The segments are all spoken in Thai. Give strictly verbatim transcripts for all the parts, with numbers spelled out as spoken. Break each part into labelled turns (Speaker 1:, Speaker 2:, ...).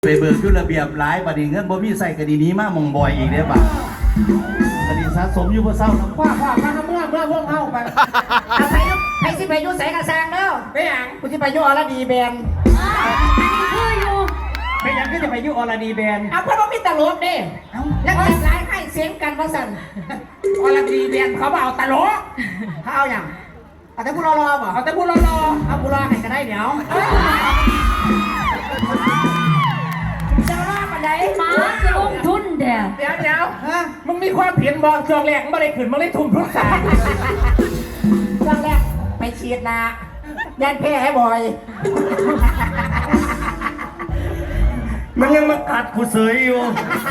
Speaker 1: ไปเบิกยุระเบียบหลายบัดนี้เงินบ่มีใส่คดีนี้มามองบอยอีกเด้อบ่าคดีสะสมอยู่บ่เศร้าน้ำ
Speaker 2: ว่าว่ามาเมื่อเมื่อพวกเอาไปเอาไปยุไปสิไปยุใส่กระซังเด้อไปหยังกูสิไปยุอรดีแบนคืออยู่ไปหยังก็จะไปยุอรดีแบนเอาเพราะว่ามีตลกเด้แล้วก็หลายให้เสียงกันว่าสั่นอรดีแบนเขาบอกเอาตลกเขาเอาอย่างเอาแต่ผู้รอรอบ่เอาแต่ผู้รอรอเอาผู้รอให้ก็ได้เดี๋ยวจะรอดมาไหน
Speaker 3: มาจะลงทุนเดี๋ยว
Speaker 2: เดี๋ยวเดี๋ยวมึงมีความเพียรบอกช่วงแรกมึงไม่ได้ขึ้นมึงได้ทุ่มทุกสายช่วงแรกไปฉีดนะยันแพ้ให้บ่อยมันยังมากัดกูเสยอยู่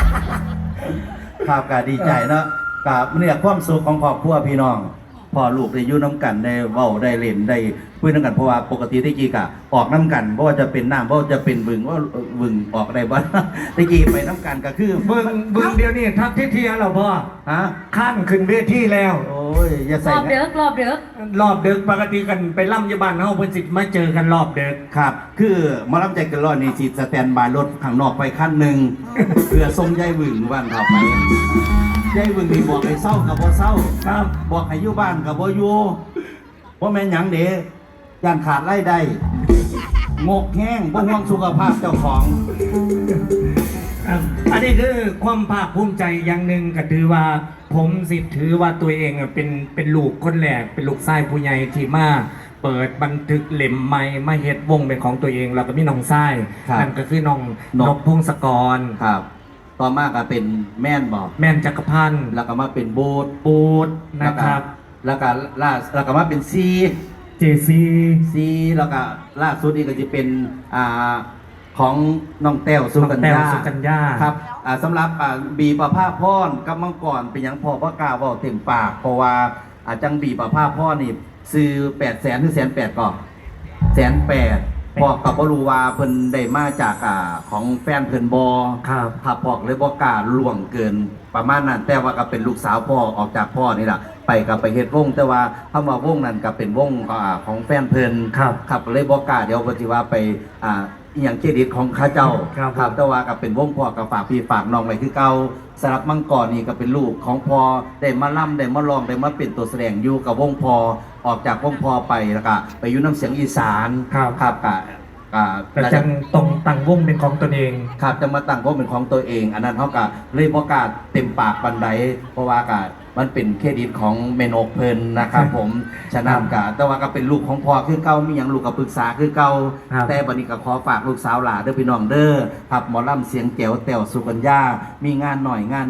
Speaker 1: ครับก็ดีใจเนาะกับเนี่ยความสุขของครอบครัวพี่น้องพ่อลูกได้อยู่น้ำกันได้เว้าได้เล่นได้คุยน้ำกันเพราะว่าปกติที่กี้กะออกน้ำกันเพราะว่าจะเป็นน้ำเพราะว่าจะเป็นบึงว่าบึงออกได้บ้างที่กี้ไปน้ำกันก็คือ
Speaker 4: บึงบึงเดียวนี่ทักที่เทียเราพ่อ
Speaker 1: ฮะ
Speaker 4: ข้ามขึ้นเวทีแล้ว
Speaker 1: โอ้ยอย่าร ใส่
Speaker 3: อบเด็กรอบเด็ก
Speaker 4: รอบดึกปกติกันไปล่ำยาบานเฮาเพิ่นสิมาเจอกันรอบดึก
Speaker 1: ครับคือมารับใจกันรอดนี่สิสแตนบายรถข้างนอกไปขั้นหนึ่งเพื่อส่งยายบึงวันต่อไปยายบึงนี่บอกให้เศร้ากับบ่เศร้า
Speaker 4: ครับ
Speaker 1: บอกให้อยู่บ้านกับบ่อยู่ว่าแม่นหยังเด้ย่านขาดรายได้งกแห้งบ่ห่วงสุขภาพเจ้าของ
Speaker 4: ครับอันนี้คือความภาคภูมิใจอย่างหนึ่งก็ถือว่าผมสิถือว่าตัวเองอะเป็นเป็นลูกคนแรกเป็นลูกชายผู้ใหญ่ที่มาเปิดบันทึกเล่มใหม่มาเฮ็ดวงเป็นของตัวเองแล้วก็มีน้องชายนั่นก็คือน้องนกพงศกร
Speaker 1: ครับ ต่อมาก็เป็นแม่นบอก
Speaker 4: แม่นจักรพันธ์
Speaker 1: แล้วก็มาเป็นโบูด
Speaker 4: ปูดนะครับ
Speaker 1: แล้วก็ล่าแล้วก็มาเป็นซี
Speaker 4: เจซี
Speaker 1: ซีแล้วก็ล่าสุดนี่ก็จะเป็นอ่าของน้องแต้วสุกัญ
Speaker 4: แต้ว
Speaker 1: ญา
Speaker 4: สุกัญญา
Speaker 1: ครับอ่าสำหรับอ่าบีประภาพรกับมังกรเป็นหยังพอพระกล้าเว่าเต็มปากเพราะว่าอาจังบีประภาพรนี่ซื้อแปดแสนหรือแสนแปดก่อนแสนแปดพอกับบ่รู้ว่าเพิ่นได้มาจากอ่าของแฟนเพิ่นบอ
Speaker 4: ครับ
Speaker 1: ขับพอกเลยบ่กล้าล่วงเกินประมาณนั้นแต่ว่าก็เป็นลูกสาวพ่อออกจากพ่อนี่แหละไปกับไปเฮ็ดวงแต่ว่าคำว่าวงนั้นก็เป็นวงอ่าของแฟนเพิ่น
Speaker 4: ครับ
Speaker 1: ขับเลยบ่กล้าเดี๋ยวปฏิว่าไปอ่าอหย่างเครดิตของข้าเจ้า
Speaker 4: ครับ
Speaker 1: ครับแต่ว่าก็เป็นวงพ่อกับฝากพี่ฝากน้องไว้คือเก่าสำหรับมังกรนี่ก็เป็นลูกของพ่อได้มาล่ำได้มาลองได้มาเป็นตัวแสดงอยู่กับวงพ่อออกจากวงพ่อไปแล้วก็ไปอยู่น้ำเสียงอีสาน
Speaker 4: ครับ
Speaker 1: ครับก็อ่า
Speaker 4: แต่จังตรงตั้งวงเป็นของตนเอง
Speaker 1: ครับจะมาตั้งวงเป็นของตัวเอง อันนั้นเขาก็เลยบ่กล้าเต็มปากบันไดเพราะว่าก็มันเป็นเครดิตของเมนกเพิ่นนะครับผมฉะนั้นก็แต่ว่าก็เป็นลูกของพ่อคือเก่ามีหยังลูกก็ปรึกษาคือเก่า
Speaker 4: ครับ
Speaker 1: แต่บัดนี้ก็ขอฝากลูกสาวหลาเด้อพี่น้องเด้อครับหมอลำเสียงแจ๋วแต้วสุกัญญามีงานหน่อยงาน